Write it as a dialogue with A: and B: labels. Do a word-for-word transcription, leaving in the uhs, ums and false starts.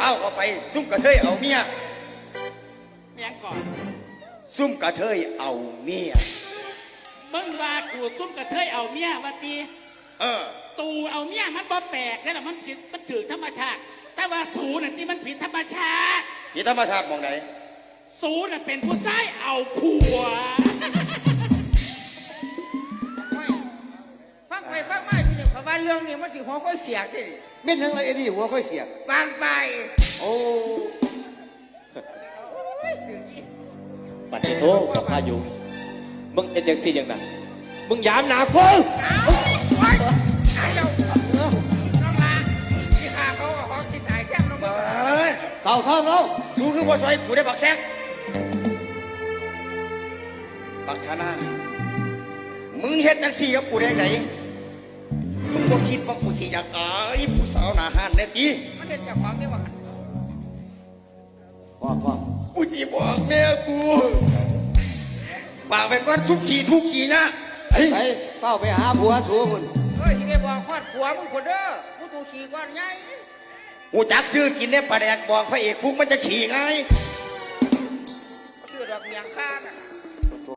A: าเอาไปซุ่มกระเทยเอาเมีย
B: เมียงก่อน
A: ซุ่มกระเทยเอาเมีย
B: มึงว่ากูซุ่มกระเทยเอาเมียว่าตี
A: เออ
B: ตูเอาเมียมันบ่แปลกแล้วล่ะมันผิดมันถือธรรมชาติแต่ว่าสูน่ะที่มันผิดธรรมชาติ
A: ที่ธรรมชาติมองไหน
B: สูน่ะเป็นผู้ชายเอาผัว
C: ฟังไปฟังมาพี่เนี่ยเพราะว่าเรื่องนี้มันสิหัวค่อยเสียดิ
D: เม่นทั้งไรเอ็ดดี้หัวค่อยเสีย
C: บางไป
D: โอ้
E: ปัดโทษกับพายุมึงเป็นยังสี่ยังไงมึงยามหนากู
C: ไอ้เราน้องลาที่ขาเขาเขาคิดตายแค่น้องมึง
A: เอ้ย
D: เข้าเข้าเข้า
A: สู้คือบ่ซอยกูได้บักแซกบักธนามึงเฮ็ดจังสี่กับกูได้ไหนมึงบ่คิดว่ากูสิอยากอายผู้สาวหน้าห้านแน่ติ
C: มันเด็ดจากความนี่ว่า
D: ว่าว่า
A: กูสิบอกแม่กูฝากไว้ก่อนทุกทีทุกทีนะเฮ้ย
D: ไปเฝ้าไปหาผัวสูคุณ
C: เฮ้ยที่ไปบอกคอดผัวมึงคนเด้อมึงตูขี่ก้อนใหญ่
A: กูจักซื้อกินได้ปลาแดกบอกพระเอกฟุกมันจะขี่ไง
C: ชื่อดอกเมียงข้าน่ะ